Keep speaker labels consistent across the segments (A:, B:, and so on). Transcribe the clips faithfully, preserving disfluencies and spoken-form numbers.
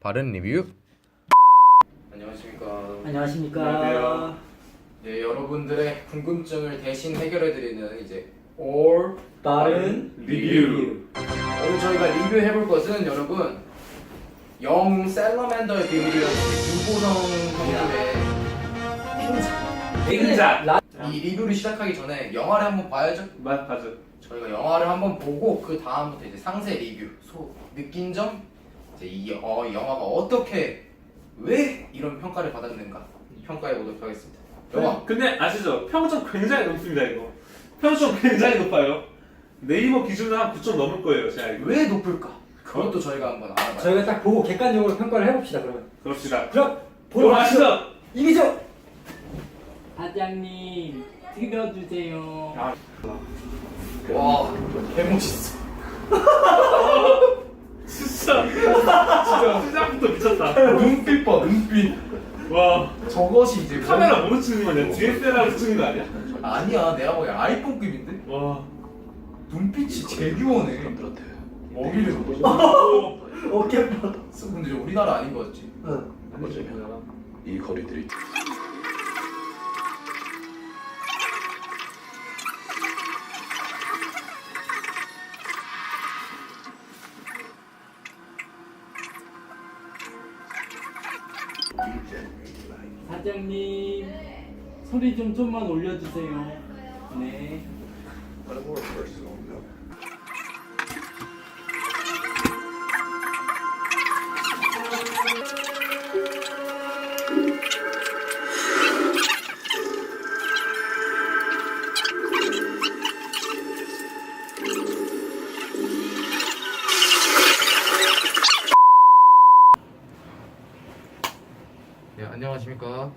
A: 바른 리뷰. 안녕하십니까.
B: 안녕하십니까.
C: 안녕하세요.
A: 네, 여러분들의 궁금증을 대신 해결해드리는 이제 올
B: 빠른
C: 리뷰.
A: 오늘 저희가 리뷰해볼 것은 여러분 영웅 셀러맨더의 비밀이라는 김보성 형님의
C: 빙작.
B: 라...
A: 이 리뷰를 시작하기 전에 영화를 한번 봐야죠.
C: 맞 맞아.
A: 저희가 영화를 한번 보고 그 다음부터 이제 상세 리뷰, 소 느낀 점, 이제 이 어, 영화가 어떻게 왜 이런 평가를 받았는가 평가해 보도록 하겠습니다. 영화
C: 근데 아시죠? 평점 굉장히 높습니다 이거. 평점 굉장히 높아요. 네이버 기준으로 한 구 점 넘을 거예요 제가 알기로.
A: 왜 높을까? 그것도 저희가 한번 알아봐요.
B: 저희가 딱 보고 객관적으로 평가를 해봅시다. 그러면
C: 그럽시다.
B: 그럼 보러
C: 보러
B: 가시죠.
C: 가시죠.
B: 이기죠.
D: 사장님 드려주세요.
C: 아,
A: 와, 개멋있어.
C: 진짜 진짜 시작부터 미쳤다.
A: 눈빛 봐, 눈빛.
C: 와,
A: 저것이 이제
C: 카메라 뭐로 찍는 거냐? 디에스엘알로 찍는 거 아니야?
A: 아니야, 내가 보기엔 아이폰급인데?
C: 와.
A: 눈빛이 제규어네. 먹이를
C: 오.
B: 어깨 봐.
A: 근데 우리나라 아닌 거였지?
B: 응.
E: 어쩌면 이 거리들이
D: 사장님 소리 좀 좀만 올려주세요. 네.
A: 네, 안녕하십니까.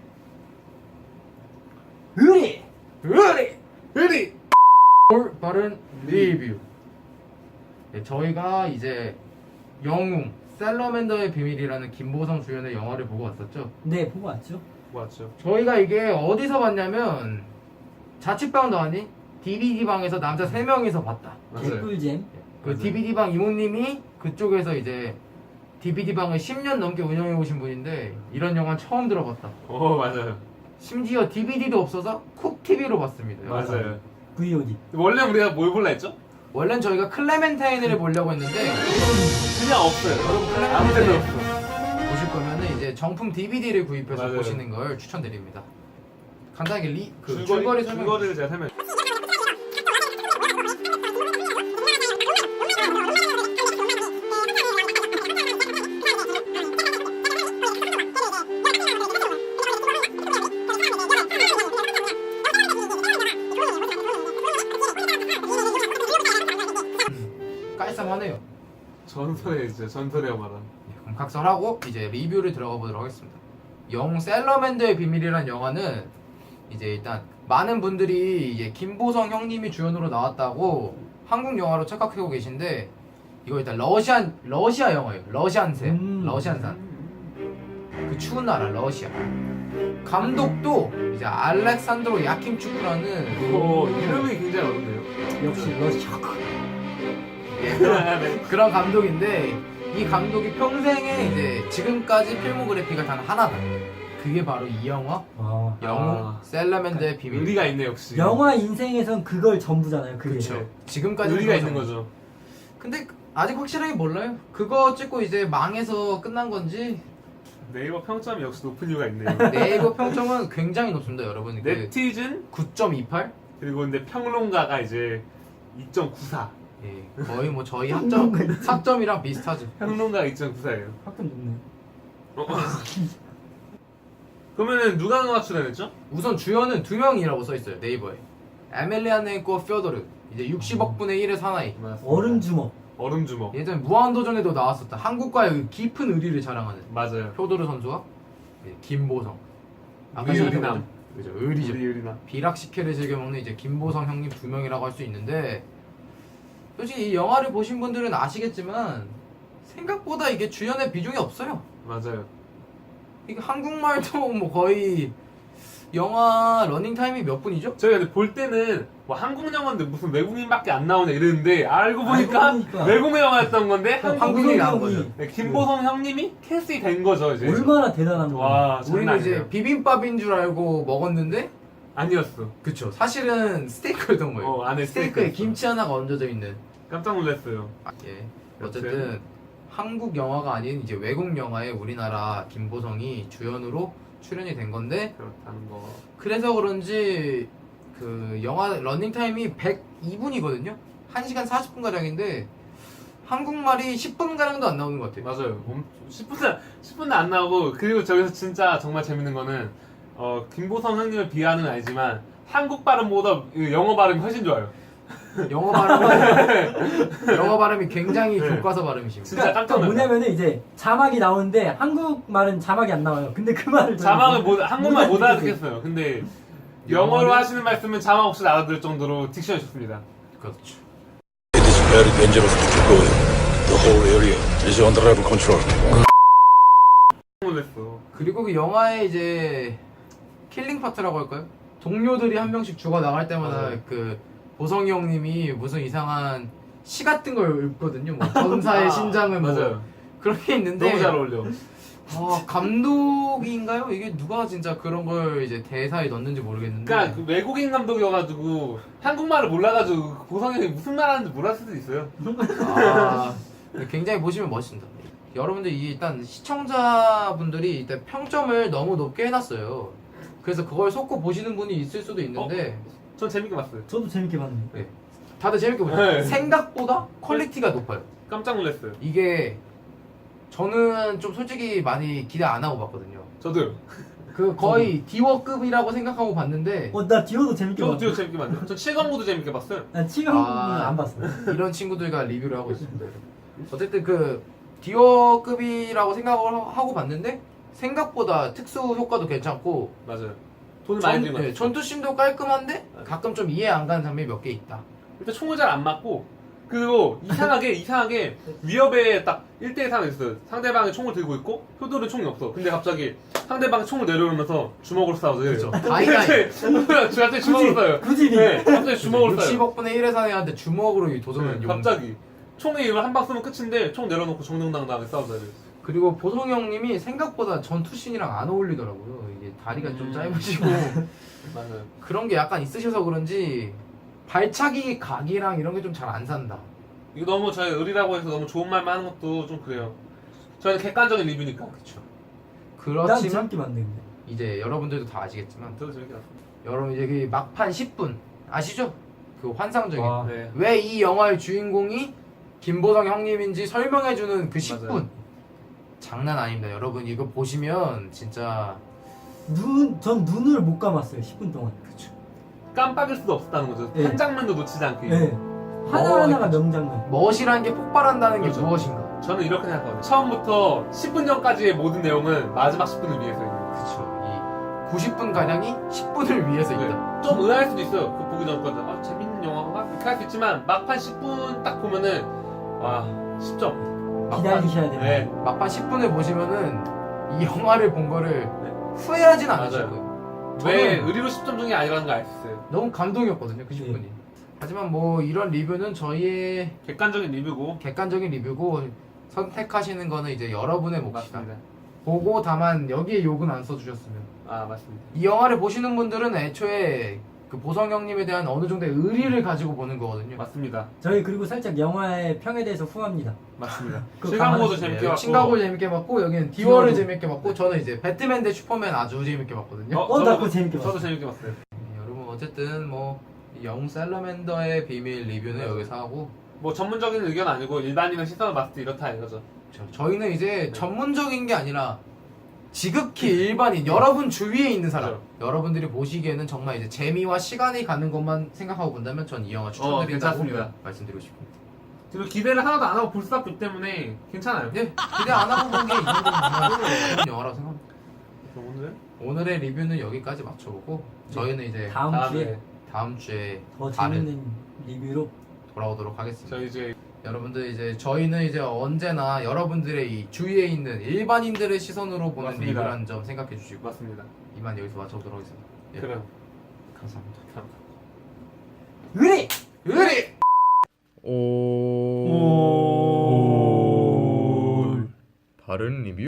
B: 의리.
A: 으리! 으리! 올 바른 리뷰. 네, 저희가 이제 영웅 셀러맨더의 비밀이라는 김보성 주연의 영화를 보고 왔었죠.
B: 네, 보고 왔죠.
C: 맞죠.
A: 저희가 이게 어디서 봤냐면 자취방도 아닌 디비디 방에서 남자 세 명이서 봤다.
B: 개꿀잼.
A: 그
C: 맞아요.
A: 디비디 방 이모님이 그쪽에서 이제 디비디 방을 십 년 넘게 운영해 오신 분인데 이런 영화 처음 들어봤다.
C: 오 맞아요.
A: 심지어 디비디도 없어서 쿡티비로 봤습니다.
C: 맞아요.
B: 브이오디.
C: 원래 우리가 뭘 볼라 했죠?
A: 원래는 저희가 클레멘타인을 보려고 했는데
C: 그냥 없어요.
A: 여러분
C: 아무 데도
A: 클레멘타인
C: 없어.
A: 보실 거면은 이제 정품 디비디를 구입해서
C: 맞아요.
A: 보시는 걸 추천드립니다. 간단하게 리, 그
C: 줄거리
A: 줄거리 설명.
C: 줄거리를 제가 설명.
A: 깔쌈하네요.
C: 전설의 진짜 전설의 영화다.
A: 예, 그럼 각설하고 이제 리뷰를 들어가 보도록 하겠습니다. 영웅 셀러맨더의 비밀이라는 영화는 이제 일단 많은 분들이 이제 김보성 형님이 주연으로 나왔다고 한국 영화로 착각하고 계신데 이거 일단 러시안 러시아 영화예요. 러시안산,
B: 음.
A: 러시안산. 그 추운 나라 러시아. 감독도 이제 알렉산드로 야킴추크라는
C: 오 이름이 굉장히 어렵네요.
B: 역시 러시아.
A: 그런 감독인데 이 감독이 평생에 이제 지금까지 필모그래피가 단 하나다. 그게 바로 이 영화
B: 와.
A: 영웅
C: 아.
A: 셀러맨더의 비밀.
C: 의리가 있네 역시.
B: 영화 인생에선 그걸 전부잖아요. 그게.
A: 그렇죠. 지금까지
C: 의리가 있는 거죠.
A: 근데 아직 확실하게 몰라요. 그거 찍고 이제 망해서 끝난 건지.
C: 네이버 평점이 역시 높은 이유가 있네요.
A: 네이버 평점은 굉장히 높습니다, 여러분. 그
C: 네티즌
A: 구 점 이팔.
C: 그리고 근데 평론가가 이제 이 점 구사.
A: 예, 거의 뭐 저희 학점 학점이랑 비슷하죠.
C: 평론가가 이 점 구사예요.
B: 학점 높네.
C: 그러면은 누가 누가 출연했죠?
A: 우선 주연은 두 명이라고 써 있어요 네이버에. 에밀리아네코 퓨어도르. 이제 육십억 분의 일의 사나이.
B: 얼음 주먹.
C: 얼음 주먹.
A: 예전 무한도전에도 나왔었다. 한국과의 그 깊은 의리를 자랑하는
C: 맞아요.
A: 표도르 선수와 예, 김보성. 아까
C: 우리
A: 시작해
C: 의리남.
A: 그죠, 의리죠.
C: 우리 의리나.
A: 비락식혜를 즐겨 먹는 이제 김보성 형님 두 명이라고 할 수 있는데 솔직히 이 영화를 보신 분들은 아시겠지만 생각보다 이게 주연의 비중이 없어요.
C: 맞아요.
A: 이게 한국말도 뭐 거의 영화 러닝 타임이 몇 분이죠?
C: 저희가 근데 볼 때는 뭐 한국 영화인데 무슨 외국인밖에 안 나오냐 이랬는데 알고 보니까
B: 알고 보니까.
C: 외국 영화였던 건데
B: 어,
C: 한국
A: 한국인이 나온
B: 형이
A: 거죠.
C: 네, 김보성 형님이 캐스팅이 된 거죠 이제.
B: 얼마나 대단한 거야.
C: 와 장난
A: 우리는 이제
C: 아니에요.
A: 비빔밥인 줄 알고 먹었는데
C: 아니었어.
A: 그쵸 사실은 스테이크였던 거예요.
C: 어 안에
A: 스테이크에
C: 스테이크였어.
A: 김치 하나가 얹어져 있는.
C: 깜짝 놀랐어요.
A: 예. 어쨌든 한국 영화가 아닌 이제 외국 영화에 우리나라 김보성이 주연으로 출연이 된 건데
C: 그렇다는 거.
A: 그래서 그런지 그 영화 러닝 타임이 백이 분이거든요. 한 시간 사십 분 가량인데 한국말이 십 분 가량도 안 나오는 것 같아요.
C: 맞아요. 엄- 십 분 십 분도 안 나오고 그리고 저기서 진짜 정말 재밌는 거는 어 김보성 형님을 비하는 건 아니지만 한국 발음보다 그 영어 발음이 훨씬 좋아요.
A: 영어 발음은 영어 발음이 굉장히
C: 네.
A: 교과서 발음이십니다.
C: 진짜 깜짝 놀랐어요.
B: 뭐냐면은 이제 자막이 나오는데 한국 말은 자막이 안 나와요. 근데 그 말을 저는
C: 자막을 못 한국말 못
B: 알아듣겠어요.
C: 알아듣겠어요. 근데 영어로
A: 영어는-
C: 하시는 말씀은 자막 없이 알아들을 정도로 딕션이 좋습니다.
A: 그렇죠.
E: It is very dangerous to keep going. The whole area is under our control.
C: 놀랐어.
A: 그리고 그 영화에 이제 킬링 파트라고 할까요? 동료들이 한 명씩 죽어 나갈 때마다
C: 맞아요.
A: 그 보성이 형님이 무슨 이상한 시 같은 걸 읊거든요. 뭐 전사의
C: 아,
A: 심장은 뭐
C: 맞아요.
A: 그런 게 있는데
C: 너무 잘 어울려.
A: 아, 감독인가요? 이게 누가 진짜 그런 걸 이제 대사에 넣는지 모르겠는데
C: 그러니까 그 외국인 감독이어가지고 한국말을 몰라가지고 보성이 형이 무슨 말 하는지 몰랐을 수도 있어요.
A: 아, 굉장히 보시면 멋있습니다. 여러분들 이 일단 시청자분들이 일단 평점을 너무 높게 해놨어요. 그래서 그걸 속고 보시는 분이 있을 수도 있는데
C: 전 재밌게 봤어요.
B: 저도 재밌게 봤는데.
A: 다들 재밌게 보죠.
C: 네.
A: 생각보다 퀄리티가 높아요.
C: 깜짝 놀랐어요.
A: 이게 저는 좀 솔직히 많이 기대 안 하고 봤거든요.
C: 저도요.
A: 그 거의 디워급이라고 생각하고 봤는데
B: 어, 나 디오도 재밌게
C: 저도
B: 봤어.
C: 뒤로 재밌게 봤는데 전 칠강구도 재밌게 봤어요.
B: 난 치강은
A: 아.
B: 안 봤어.
A: 이런 친구들과 리뷰를 하고 있습니다. 어쨌든 그 디워급이라고 생각을 하- 하고 봤는데 생각보다 특수 효과도 괜찮고
C: 맞아요. 돈을 많이
A: 전,
C: 들인 것
A: 네,
C: 같아요.
A: 전투씬도 깔끔한데 가끔 좀 이해 안 가는 장면이 몇 개 있다.
C: 일단 총을 잘 안 맞고 그리고 이상하게 이상하게 위협에 딱 일 대 일 상황이 있어요. 상대방이 총을 들고 있고 효도는 총이 없어. 근데 갑자기 상대방이 총을 내려오면서 주먹으로 싸워서
A: 그쵸.
C: 갑자기
A: 다이다이.
C: 갑자기 주먹으로 싸워요.
B: 굳이
C: 네, 갑자기 주먹으로 싸워요.
A: 육십억분의 일의 사내한테 주먹으로 이 도전을
C: 네,
A: 용.
C: 갑자기 총에 이걸 한 방 쓰면 끝인데 총 내려놓고 정정당당하게 싸우자.
A: 그리고 보성 형님이 생각보다 전투씬이랑 안 어울리더라고요. 이게 다리가 좀
C: 음.
A: 짧으시고
C: 맞아요.
A: 그런 게 약간 있으셔서 그런지 발차기 각이랑 이런 게 좀 잘 안 산다.
C: 이거 너무 저희 의리라고 해서 너무 좋은 말만 하는 것도 좀 그래요. 저희는 객관적인 리뷰니까.
A: 그렇죠.
B: 난
A: 그렇지만
B: 재밌게 봤는데. 근데.
A: 이제 여러분들도 다 아시겠지만
C: 저도 재밌게 봤어요.
A: 여러분 이제 그 막판 십 분 아시죠? 그 환상적인
B: 와.
C: 네.
A: 왜 이 영화의 주인공이 김보성 형님인지 설명해주는 그 십 분
C: 맞아요.
A: 장난 아닙니다. 여러분 이거 보시면 진짜
B: 눈, 전 눈을 못 감았어요. 십 분 동안.
A: 그쵸.
C: 깜빡일 수도 없었다는 거죠.
B: 네.
C: 한 장면도 놓치지 않게.
B: 네. 하나하나가 명장면.
A: 멋이라는 게 폭발한다는 게
C: 그렇죠.
A: 무엇인가?
C: 저는 이렇게 생각하거든요. 처음부터 십 분 전까지의 모든 내용은 마지막 십 분을 위해서 있는 거예요.
A: 그쵸. 이 구십 분 가량이 십 분을 위해서
C: 네.
A: 있다.
C: 좀 의아할 수도 있어요. 그 보기 전까지. 아, 재밌는 영화인가? 이렇게 할 수 있지만 막판 십 분 딱 보면은 와, 십 점.
B: 기다리셔야 돼요.
C: 네.
A: 막판 십 분을 보시면은 이 영화를 본 거를
C: 네.
A: 후회하진 않으실
C: 맞아요.
A: 거예요.
C: 왜
A: 저는
C: 의리로 십 점 중이 아니라는 걸 알 수 있어요.
A: 너무 감동이었거든요. 그 십 분이. 하지만 뭐 이런 리뷰는 저희의
C: 객관적인 리뷰고.
A: 객관적인 리뷰고 선택하시는 거는 이제 여러분의 몫이다.
C: 맞습니다.
A: 보고 다만 여기에 욕은 안 써주셨으면.
C: 아, 맞습니다.
A: 이 영화를 보시는 분들은 애초에 그 보성 형님에 대한 어느 정도의 의리를 가지고 보는 거거든요.
C: 맞습니다.
B: 저희 그리고 살짝 영화의 평에 대해서 후합니다.
C: 맞습니다.
B: 그거
C: 실강고도
B: 가만히
C: 재밌게
A: 네,
C: 봤고.
A: 칭가고 재밌게 봤고 여기는 디워를
B: 디워도.
A: 재밌게 봤고 저는 이제 배트맨 대 슈퍼맨 아주 재밌게 봤거든요.
B: 어, 나 그거 재밌게
C: 저도
B: 봤어.
C: 재밌게 봤어요.
A: 네, 여러분 어쨌든 뭐 영웅 셀러맨더의 비밀 리뷰는
C: 맞아요.
A: 여기서 하고
C: 뭐 전문적인 의견 아니고 일반인의 시선을 봤을 때 이렇다 이거죠.
A: 저, 저희는 이제
C: 네.
A: 전문적인 게 아니라 지극히 일반인 여러분 주위에 있는 사람
C: 그렇죠.
A: 여러분들이 보시기에는 정말 이제 재미와 시간이 가는 것만 생각하고 본다면 전 이 영화 추천드린다고
C: 괜찮습니다.
A: 말씀드리고 싶습니다.
C: 그리고 기대를 하나도 안 하고 볼 수밖에 없기 때문에 괜찮아요.
A: 네, 기대 안 하고 본 게 이 정도면 정말 좋은 영화라고 생각합니다.
C: 그럼 오늘
A: 오늘의 리뷰는 여기까지 맞춰보고 저희는 이제
B: 다음
C: 다음에
B: 주에
A: 다음 주에
B: 더
A: 다른
B: 재밌는 리뷰로
A: 돌아오도록 하겠습니다.
C: 저희 이제
A: 여러분들 이제 저희는 이제 언제나 여러분들의 이 주위에 있는 일반인들의 시선으로 보는
C: 맞습니다.
A: 리뷰라는 점 생각해 주시고
C: 맞습니다.
A: 이만 여기서 마쳐보도록 하겠습니다. 예.
C: 그래요.
A: 감사합니다.
C: 감사합니다.
B: 의리!
A: 의리!
F: 오... 바른 리뷰